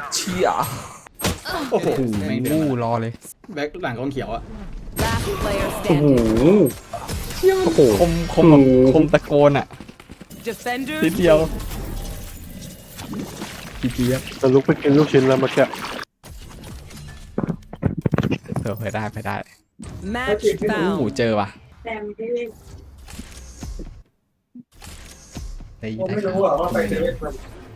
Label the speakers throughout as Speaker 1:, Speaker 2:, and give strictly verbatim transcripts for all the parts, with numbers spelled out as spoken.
Speaker 1: เชี่ย
Speaker 2: โอ้โห
Speaker 1: โอ้
Speaker 2: ไม่เดื
Speaker 1: โห
Speaker 2: อด
Speaker 1: รอเลย
Speaker 2: แบ็คหลังกองเขียวอะ
Speaker 3: Last player
Speaker 4: โอ้โห
Speaker 3: standing.
Speaker 4: โอ้โห
Speaker 1: คมคมแบบคมตะโกนอ่ะ
Speaker 3: Defenders.
Speaker 1: นิดเดียวจีจีครับ
Speaker 4: จะลุกไปกินลูกชิ้นแล้วเมื่อกี้
Speaker 1: เออไปได้ไปได้
Speaker 3: Match
Speaker 1: โอ้โห
Speaker 3: found.
Speaker 1: เจอว่ะได้ยินได้ครับ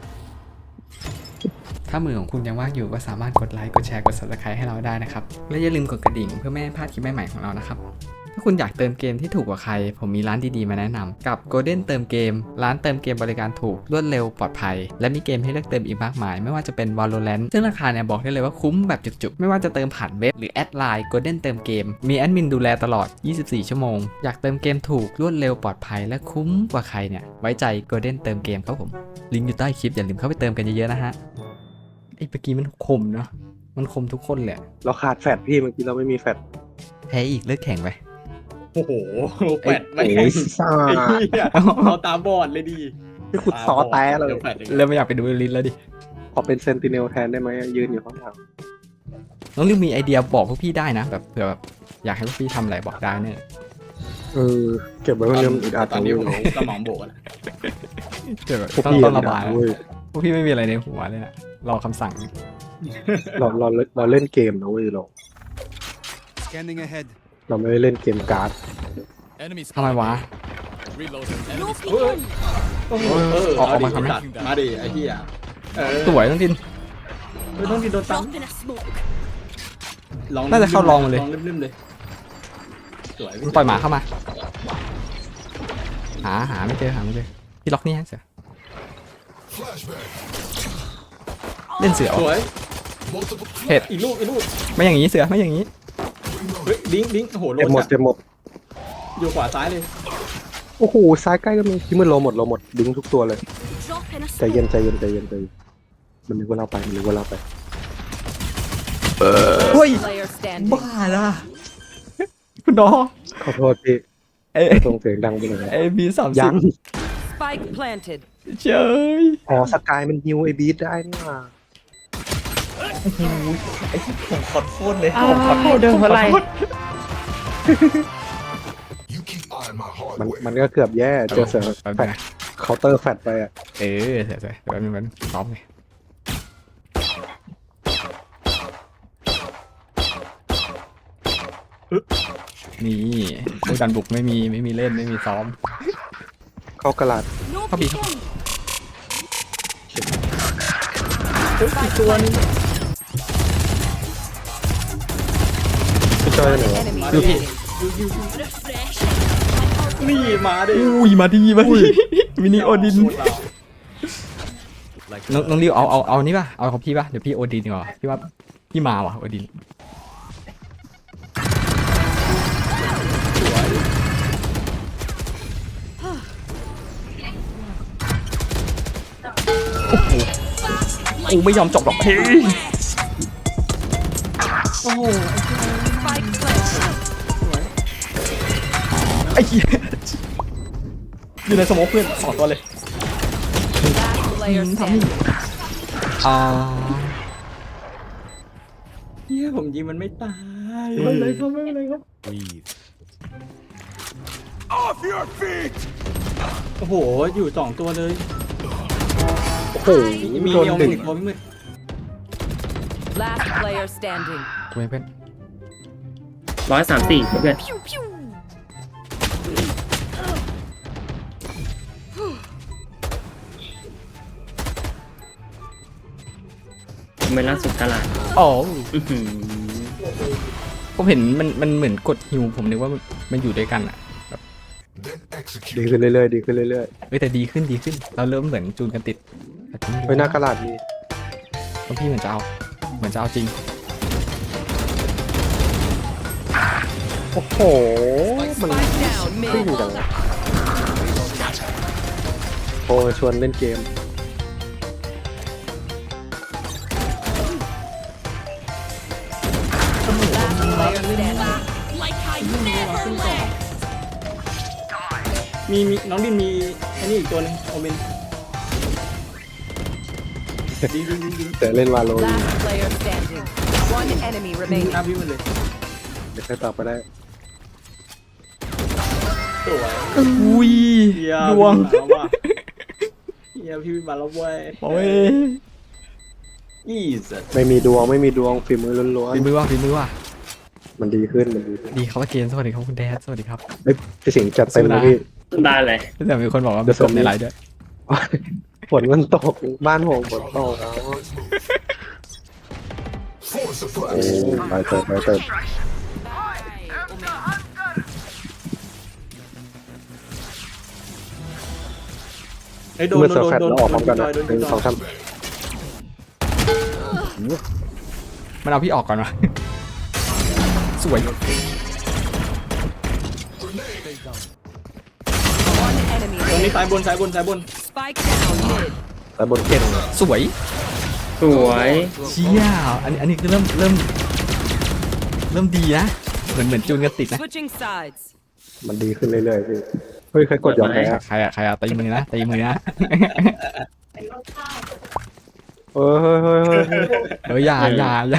Speaker 1: ถ้ามือของคุณยังว่างอยู่ก็สามารถกดไลค์กดแชร์กด ซับสไครบ์ ให้เราได้นะครับและอย่าลืมกดกระดิ่งเพื่อไม่ให้พลาดคลิปใหม่ๆของเรานะครับถ้าคุณอยากเติมเกมที่ถูกกว่าใครผมมีร้านดีๆมาแนะนำกับ Golden เติมเกมร้านเติมเกมบริการถูกรวดเร็วปลอดภัยและมีเกมให้เลือกเติมอีกมากมายไม่ว่าจะเป็น Valorant ซึ่งราคาเนี่ยบอกได้เลยว่าคุ้มแบบจุกๆไม่ว่าจะเติมผ่านเว็บหรือแอดไลน์ Golden เติมเกมมีแอดมินดูแลตลอดยี่สิบสี่ชั่วโมงอยากเติมเกมถูกรวดเร็วปลอดภัยและคุ้มกว่าใครเนี่ยไว้ใจ Golden เติมเกมครับผมลิงก์อยู่ใต้คลิปอย่าลืมเข้าไปเติมกันเยอะๆนะฮะไอ้เมื่อกี้มันคมเนาะมันคมทุกคนแหละ
Speaker 4: เราขาดแฟดพี่เมื่อกี้เราไม่มีแฟด
Speaker 1: แพ้อีกเลิกแข่งไป
Speaker 2: โอ้โหแปดไม่
Speaker 4: โอ้
Speaker 2: แข่ง
Speaker 4: ยซ่า
Speaker 2: ไอ้เหี้ยเราตาบอดเลยดี
Speaker 4: ที่ขุดซอแต้เลย
Speaker 2: ดี๋วแปดอีก
Speaker 1: เริ่มไม่อยากไปดูลิสแล้วดิ
Speaker 4: ขอเป็นเซนติเนลแทนได้ไหมยืนอยู่ข้างหลัง
Speaker 1: น้องลิวมีไอเดียบอกพวกพี่ได้นะแบบเผื่อแบบอยากให้พวกพี่ทำอะไรบอกได้เนี่ย
Speaker 4: เออเก็บไว้คนเดียวอึดอัด
Speaker 2: ตอนนี้
Speaker 4: เนาะ
Speaker 2: สมองโบกแล้ว
Speaker 1: เดี๋ยวแบบ
Speaker 4: พวก
Speaker 1: ต้อง
Speaker 4: พี่
Speaker 1: ต้องระบาย
Speaker 4: เว้ย
Speaker 1: พวกพี่ไม่มีอะไรในหัวเลยนะรอคำสั่ง
Speaker 4: เราเราเราเล่นเกมนะเว้ยเรา
Speaker 5: Scanning ahead.
Speaker 4: เราไม่ได้เล่นเกมการ์ด
Speaker 5: Enemies.
Speaker 1: ทำไมวะ
Speaker 5: Reloading.
Speaker 3: No
Speaker 5: Enemies.
Speaker 3: peeking.
Speaker 2: เออ
Speaker 1: ออกออกมา
Speaker 2: ดิ
Speaker 1: ทำไหม
Speaker 2: ตัดมาดิไอ้เหี้ยเออ
Speaker 1: สวยต้องทิน
Speaker 2: ไม่ต้องกินโดนตั้ง
Speaker 3: Drop in a smoke.
Speaker 2: ลอง
Speaker 1: น่าจะเข้าลองมาเลย
Speaker 2: ลองลืมๆเลยสวย
Speaker 1: ปล่อยหมาเข้ามา หาหาไม่เจอหาไม่เจอพี่ล็อกนี่ฮะเสือเล่นเสือ
Speaker 2: สว
Speaker 1: วะ
Speaker 2: ย
Speaker 1: เห็ด
Speaker 2: อีกลูกอีกลูก
Speaker 1: ไม่อย่างนี้เสือไม่อย่างนี้
Speaker 2: เฮ้ยดิ้งดิ้งโอ้โหโล
Speaker 4: เจ็บหมด
Speaker 2: จัด
Speaker 4: เจ็บหมด
Speaker 2: อยู่ขวาซ้ายเลย
Speaker 4: โอ้โหซ้ายใกล้ก็มีที่มือโลหมดโลหมดดึงทุกตัวเลย
Speaker 3: Drop in a
Speaker 4: ใจเย็น
Speaker 3: smoke.
Speaker 4: ใจเย็นใจเย็นใจเย็นมันนึกว่าเราไปมันนึกว่าเราไป
Speaker 1: เฮ้ย
Speaker 3: Player standing.
Speaker 1: บ้าละคุณน้อง
Speaker 4: ขอโทษพี่
Speaker 1: เอ้
Speaker 4: ส่งเสียงดังไปหน่อย
Speaker 1: ไอ้บีสามสิ
Speaker 4: ยั
Speaker 1: บ
Speaker 4: ง
Speaker 3: Spike planted.
Speaker 1: เจ้ย
Speaker 4: อ๋อสกายมันฮิวไอบีทได้นี่หว่า
Speaker 1: ผมขอโทษเลย
Speaker 6: อ้าวเดินเพราะอะไร
Speaker 4: มันมันก็เกือบแย่เจอเสือแฟดเคาน์เตอร์แฟดไปอ่ะ
Speaker 1: เออเสือเสือเดี๋ยวแป๊บนึงแป๊บนึงซ้อมเลยนี่พวกดันบุกไม่มีไม่มีเล่นไม่มีซ้อม
Speaker 4: เข้ากระลาด
Speaker 3: No
Speaker 1: Copy.
Speaker 3: peeking.
Speaker 2: อีกตัวนึง
Speaker 4: พี่จอยไหนวะ
Speaker 3: Enemy
Speaker 1: Okay.
Speaker 3: remaining. Refresh.
Speaker 2: นี่มาดิ
Speaker 1: อุ้ยมาดีมาดีมินิโอดิน
Speaker 2: โคตรเรา
Speaker 1: น้องน้องริวเอาเอาเอานี่ป่ะเอาของพี่ป่ะเดี๋ยวพี่โอดินดีกว่าพี่ว่าพี่มาว่ะโอดินโอ้โหกูไม่ยอมจบหรอกเฮ้ย
Speaker 3: Spike planted.
Speaker 1: ไอ้เหี้ยอยู่ในสโมองเพื่อนสองตัวเลย
Speaker 3: Last player standing.
Speaker 1: อ่า
Speaker 2: เฮียผมยิงมันไม่ตาย
Speaker 1: ไม่เป็นไรครับไม่เป็นไรครับ
Speaker 5: Breathe.
Speaker 2: โอ้โหอยู่สองตัวเลย
Speaker 4: โอ้โห
Speaker 2: มี
Speaker 4: โดน
Speaker 2: เมียว
Speaker 4: ดึง
Speaker 2: มีตัวไม่มืด
Speaker 3: Last player standing.
Speaker 1: กูไม่เพื่อน
Speaker 6: ร้อยสามสี่เพื่อน
Speaker 3: Pew pew.
Speaker 6: เมล่าสุดตลาด
Speaker 1: อ๋อ
Speaker 6: อื้อหือ
Speaker 1: ผมเห็นมันมันเหมือนกดฮิวผมนึกว่ามันมันอยู่ด้วยกันอ่ะ
Speaker 4: ดีขึ้นเรื่อยๆดีขึ้นเรื่อย
Speaker 1: เอ้ยแต่ดีขึ้นดีขึ้น เราเริ่มเหมือนจูนกันติดแต่ก็
Speaker 4: ๆไว้หน้ากระลาดมี
Speaker 1: เพราะพี่เหมือนจะเอาเหมือนจะเอาจริง
Speaker 4: โอ้โหมัน
Speaker 3: Spike down
Speaker 4: ขึ้น
Speaker 3: mid.
Speaker 4: จังโอ้ชวนเล่นเกม
Speaker 3: Last player standing.
Speaker 2: มีมีน้องดินมีอันนี้อีกตัวหนึงโอเมนยิงยิงยิงยิง
Speaker 4: แต่เล่นวาโล
Speaker 3: Last player standing. One enemy
Speaker 2: ยิง
Speaker 3: remaining.
Speaker 2: หน้าพี่มันเลย
Speaker 4: เดี๋ยวใครตอบไปได้
Speaker 2: สวย
Speaker 1: อุ้ย
Speaker 2: เฮีย
Speaker 1: ดวง
Speaker 2: พี่มาแล้วว่ะเฮียพี่มาแล้วเว้ย
Speaker 1: โอ้ย
Speaker 2: อีสัตว์
Speaker 4: ไม่มีดวงไม่มีดวงฝีมือล้วน
Speaker 1: ฝีมือว่ะฝีมือว่ะ
Speaker 4: ๆมันดีขึ้นมันดีขึ้น
Speaker 1: ดีครับว่าเกณฑ์สวัสดีครับคุณแดดสวัสดีครับ
Speaker 4: เฮ้ยพี่สิงห์จัดเต็มเลยพี่
Speaker 6: ได้เลย
Speaker 1: แต่มีคนบอกว่ามีกบในไลน์ด้วย
Speaker 4: ฝนมันตกบ้านผมฝนตกแล้วโอ้ไปเติมไปเติม
Speaker 2: ไอ้ยโดน
Speaker 4: เมื่อ
Speaker 2: โด
Speaker 4: เซอร์
Speaker 2: น
Speaker 4: แฟต
Speaker 2: โดน
Speaker 4: แล้วออกพร้อมกัน
Speaker 2: โด
Speaker 4: นะ
Speaker 2: นโดน
Speaker 4: หนึ่ง
Speaker 2: โดน
Speaker 4: สองสาม
Speaker 1: มันเอาพี่ออกก่อนวะ สวย
Speaker 3: One enemy
Speaker 2: ตรงนี้
Speaker 3: remaining.
Speaker 2: ซ้ายบนซ้ายบนซ้ายบน
Speaker 3: Spike down mid.
Speaker 4: แต่บนเก่ง
Speaker 1: สวย
Speaker 6: สวย
Speaker 1: เชี่ยอันนี้อันนี้คือเริ่มเริ่ม เริ่มดีนะเหมือนเหมือนจูนกันติดนะ
Speaker 3: Switching sides.
Speaker 4: มันดีขึ้นเรื่อยๆพี่เฮ้ยใครกดยอมแพ้
Speaker 1: ใครอะใครอะตีมือนะตีมือนะ
Speaker 4: เฮ้ยเฮ้ยเฮ้ยเฮ้ย
Speaker 1: เอออย่าอย่าอย่า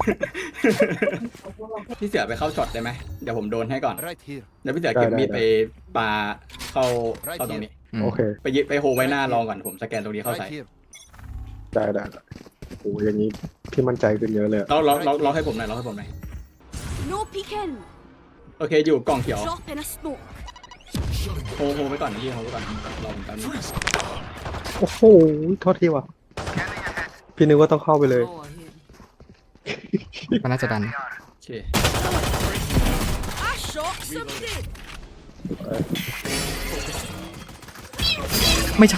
Speaker 2: พี่เสือไปเข้าช็อตได้ไหมเดี๋ยวผมโดนให้ก่อน
Speaker 5: Right here.
Speaker 2: เดี๋ยวพี่เสือเก็บมีดไปปาเข้าเข้าตรงนี้
Speaker 1: อืม
Speaker 4: โอเค
Speaker 2: ไปยึดไปโฮไว้หน้าลองก่อนผมสแกนตรงนี้เข้าใส่
Speaker 5: Right here.
Speaker 4: ได้ได้ได้โอ้ยอย่างนี้พี่มั่นใจขึ้นเยอะเลยอะ
Speaker 2: เราเราเราเราให้ผมหน่อยเราให้ผมหน่อย
Speaker 7: No peeking.
Speaker 2: โอเคอยู่กล่องเขียว
Speaker 7: Drop in a smoke.
Speaker 2: โฮโฮไว้ก่อนนะพี่โฮไว้ก่อนรอผมแป๊บนึง
Speaker 4: โอ้โหโทษทีว่ะพี่นึกว่าต้องเข้าไปเลย
Speaker 1: มันน่าจะดัน
Speaker 2: โอเค
Speaker 7: I shot somebody.
Speaker 1: ไม่ใช่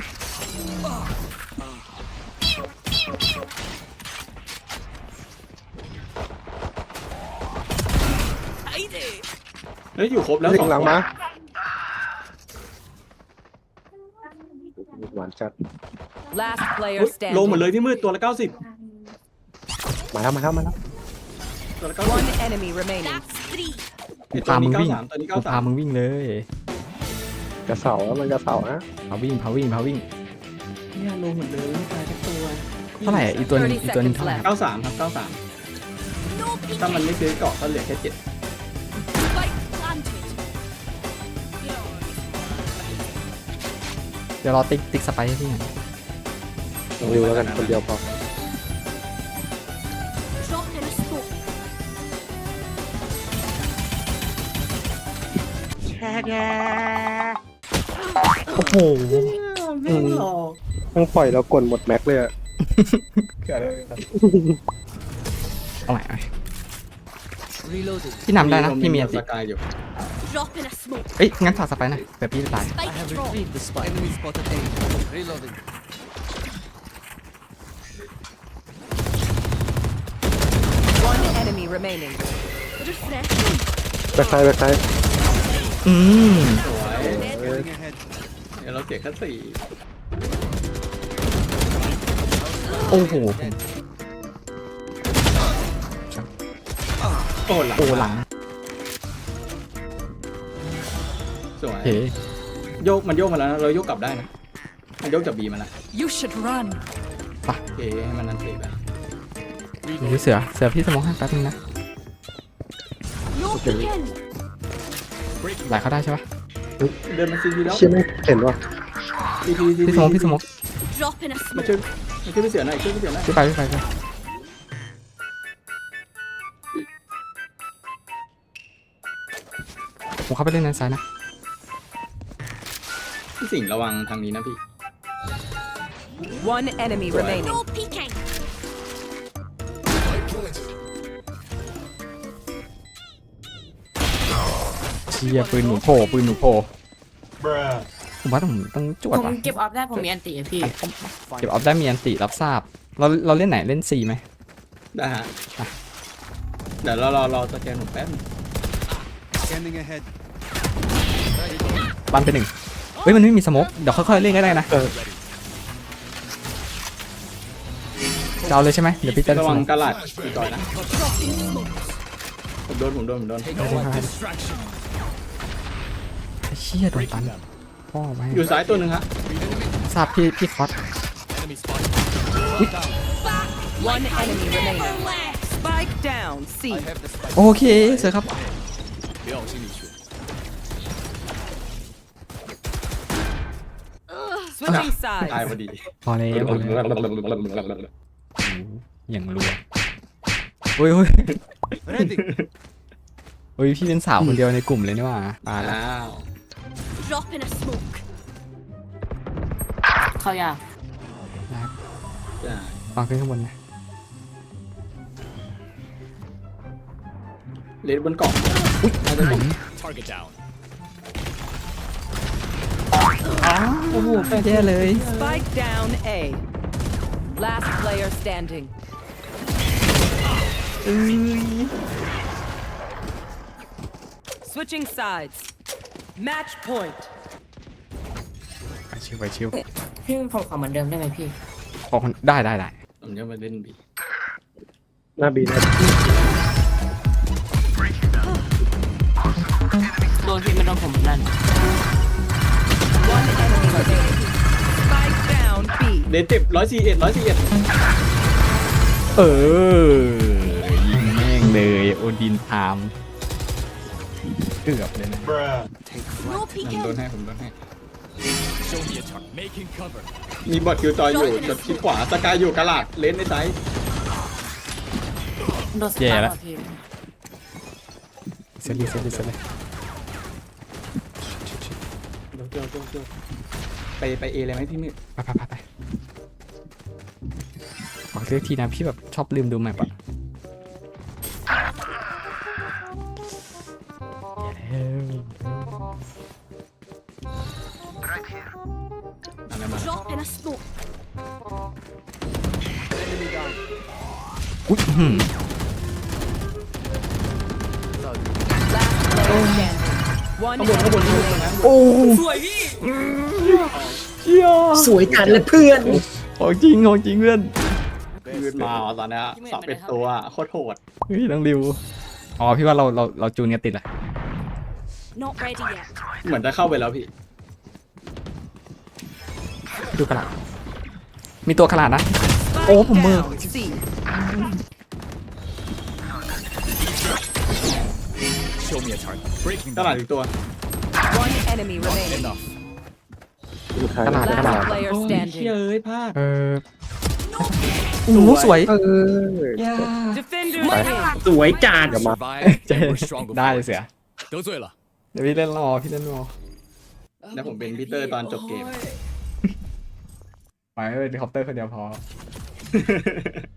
Speaker 2: เฮ้ยอยู่ครบแล้ว
Speaker 4: เฮ้ย
Speaker 2: สอง
Speaker 4: หลัง
Speaker 2: คน
Speaker 4: มาหวานจัด
Speaker 3: Last
Speaker 2: เฮ้
Speaker 3: player
Speaker 2: ยโลหมด
Speaker 3: standing.
Speaker 2: เลยที่มืดตัวละเก้าสิบ
Speaker 4: มาแล้วมาแล้วมาแล้ว
Speaker 2: ตัวละเก้าสิบ
Speaker 3: One enemy remaining.
Speaker 7: That's three.
Speaker 2: ไอ้ตัว
Speaker 1: พามึ
Speaker 2: นี้
Speaker 1: ง
Speaker 2: เก้า
Speaker 1: วิ่ง
Speaker 2: สามตัวนี้
Speaker 1: กู
Speaker 2: เก้าสา
Speaker 1: พาม มึงวิ่งเลย
Speaker 4: กระเสาแล้วมันกระเสานะ
Speaker 1: พาวิ่งพาวิ่งพาวิ่ง
Speaker 2: เนี่ยโลหมดเลยไม่ตายสักตัว
Speaker 1: เท่าไหร่อีกตัวหนึงอีกตัวหนึงเท่าไหร่
Speaker 2: เก้าสามครับเก้าสาม
Speaker 7: No
Speaker 2: ถ้ามัน
Speaker 7: peeking.
Speaker 2: ไม่ซื้อเกาะก็เหลือแค่เจ็ด
Speaker 7: Spike planted.
Speaker 1: เดี๋ยวรอติ๊กติ๊กสไปร์ให้พี่หน่อย
Speaker 4: ลองดูแล้วกันคนเดียวพอ
Speaker 7: Drop in a smoke.
Speaker 1: โอ้โห
Speaker 2: ไม่หรอก
Speaker 4: ต้องปล่อยแล้วกดหมดแม็กเลยอะ
Speaker 1: เอาใหม่เอาใหม่พี่นำได้นะพี่มีอันติ
Speaker 2: สกายอยู่
Speaker 7: Drop in a smoke.
Speaker 1: เอ้ยงั้นฝากสไปร์หน่อยเดี๋ยวพี่จะตาย
Speaker 7: Spike drop.
Speaker 5: Enemy spotted A. Reloading.
Speaker 3: One enemy remaining.
Speaker 7: Refreshing.
Speaker 4: แบ็คไซด์แบ็คไซด์
Speaker 1: อืม
Speaker 2: สวย
Speaker 5: Scanning ahead.
Speaker 2: เดี๋ยวเราเสียแค่สี่
Speaker 1: โอ้โห
Speaker 2: โอ้หลัง
Speaker 1: โอ้หลัง
Speaker 2: สวย
Speaker 1: เฮ้
Speaker 2: โยกมันโยกมาแล้วนะเราโยกกลับได้นะมันโยกจากบีมาแล้ว
Speaker 3: You should run.
Speaker 2: โอเคให้มันนันเสียไป
Speaker 1: ดูเสือเสือพี่สมองให้แป๊บนึงนะ
Speaker 7: No peeking.
Speaker 1: ไหลเข้าได้ใช่ปะ
Speaker 2: เดินมาซีพีแล้ว
Speaker 4: เชี่ยไม่เห็นว่ะ
Speaker 2: ซีพีซี
Speaker 1: พี่สมองพี่สมอง
Speaker 7: Drop in a
Speaker 2: มา
Speaker 7: smoke.
Speaker 2: ช่วยมาช่วยพี่เสือหน่อยช่วยพี่เสือหน่อย
Speaker 1: พี่ไปพี่ไปพี่ไปผมเข้าไปเล่นในซ้ายนะ
Speaker 2: พี่สิงห์ระวังทางนี้นะพี่
Speaker 3: One enemy remaining.
Speaker 7: No peeking.
Speaker 1: เชียปืนหนูโผล่ปืนหนูโผล่ผมว่าต้องต้องจวด
Speaker 8: ผม
Speaker 1: ว่ะ
Speaker 8: เก็บออฟได้ผมมีอันติอะพี่
Speaker 1: เก็บออฟได้มีอันติรับทราบ เราเราเล่นไหนเล่นซีไหม
Speaker 2: ได้ฮะเดี๋ยวเรารอรอสแกนผมแป๊บนึง
Speaker 5: Scanning ahead.
Speaker 1: บันไปหนึ่งเฮ้ยมันไม่มีสโมกเดี๋ยวค่อยๆเล่นก็ได้นะ
Speaker 4: เออ
Speaker 1: จะเอาเลยใช่ไหมเดี๋ยวพี่จะ
Speaker 2: ระวัง
Speaker 1: สโมก
Speaker 2: กระหลัดอีกต่อยนะผมโดนผมโดนผมโดน
Speaker 5: Distraction.
Speaker 1: ไอ้เชี่ยโดนตันพ่อไว้
Speaker 2: อยู่ซ้ายตัวหนึ่งฮะ
Speaker 1: ทราบพี่พี่คอส
Speaker 5: Enemy spotted.
Speaker 3: One enemy remaining.
Speaker 7: left.
Speaker 3: Spike down. C.
Speaker 5: I have the spike.
Speaker 1: โอเคเสือครับ
Speaker 5: 不要心里去。
Speaker 3: Switching
Speaker 2: ตายพอ
Speaker 3: sides.
Speaker 2: ดี
Speaker 1: พอแล้วพอแล้วอย่างรัวโอ้ยโอ้ย
Speaker 5: Ready.
Speaker 1: โอ้ยพี่เป็นสาวคนเดียวในกลุ่มเลยนี่หว่าตายแล้ว
Speaker 2: อ้าว
Speaker 7: Drop in a smoke.
Speaker 8: เข้ายาก
Speaker 2: จ้า
Speaker 1: ฟังขึ้นข้างบนนะ
Speaker 2: เลนบนเกาะอุ้ยน่าจะเป็น
Speaker 5: Target down.
Speaker 1: โอ้โหแปดแย่เลย
Speaker 3: Spike down A. Last player standing. Switching sides. Match point.
Speaker 1: ไปชิวไปชิว
Speaker 8: พี่ผมขอเหมือนเดิมได้ไหมพี่
Speaker 1: ขอคนได้ได้ได้
Speaker 2: ผมจะมาเล่นบี
Speaker 4: หน้าบีนะ
Speaker 8: โดนพี่ไม่โดนผมนั่น
Speaker 3: One enemy remaining. Spike down B.
Speaker 2: เลนเจ็บร้อยสี่เอ็ดร้อยสี่เอ็ด
Speaker 1: เออยิงแม่งเลยโอดินไทม์เกือบเลยนะ
Speaker 7: No
Speaker 2: ผม
Speaker 7: peeking.
Speaker 2: โดนให้ผมโดนให้
Speaker 5: Show me a chart. Making cover.
Speaker 2: มีบอทคิวจอยอยู่จดคลิดขวาสกายอยู่กระลาดเลนในไซส์
Speaker 8: โดนส
Speaker 1: แย่
Speaker 8: ตาร์
Speaker 1: แล้ว
Speaker 8: ทพี่
Speaker 1: เสร็จเลยเสร็จเลยเสร็จเลย
Speaker 2: เดี๋ยวเดี๋ยวเดี๋ยวเดี๋ยวไปไปเอเลยไหมพี่มืด
Speaker 1: ไปไปไปไปขอเลือกทีนะพี่แบบชอบลืมดูแมปอะอย่าแล้ว
Speaker 2: อะไรมา
Speaker 7: Drop in a smoke.
Speaker 5: Enemy down.
Speaker 1: อุ้ยอื้อหือ
Speaker 3: Last player standing. One enemy remaining.
Speaker 1: โอ้สวยพี่เชี่ย
Speaker 4: สวยจัดเลยเพื่อน
Speaker 1: ของจริงของจริงเพื่อน
Speaker 2: ยืนมาตอนนี้สอบเป็นตัวโคตรโหด
Speaker 1: เฮ้ยน้องริวอ๋อพี่ว่าเราเราเราจูนกันติดแหละ
Speaker 7: Not ready yet.
Speaker 2: เหมือนจะเข้าไปแล้วพี่
Speaker 1: ดูกระดาษมีตัวขนาดนะ
Speaker 3: Spike
Speaker 1: Oh,ผมมือ
Speaker 3: down C.
Speaker 5: โชว์ me a chart. Breaking
Speaker 2: กระลาด
Speaker 5: down.
Speaker 2: อีกตัว
Speaker 3: One enemy remaining.
Speaker 5: Enough.
Speaker 4: สุดท้าย
Speaker 1: ขนาดขนาด
Speaker 3: Last player
Speaker 2: โอ้ย
Speaker 3: standing.
Speaker 2: เอ้ยพลาด
Speaker 1: เออโอ้โหสวย
Speaker 4: เออ
Speaker 3: Defenders win.
Speaker 6: สวยจัด
Speaker 5: Survive.
Speaker 1: เจ๊
Speaker 5: and we're stronger
Speaker 1: ได้
Speaker 5: for
Speaker 1: เลย
Speaker 5: it.
Speaker 1: เสีย
Speaker 5: 得罪了。
Speaker 1: เดี๋ยวพี่เล่นรอพี่เล่นรอ
Speaker 2: แล้วผมเป็นพีเตอร์ตอนจบเกม
Speaker 1: ไปเลยเฮลิคอปเตอร์คนเดียวพอ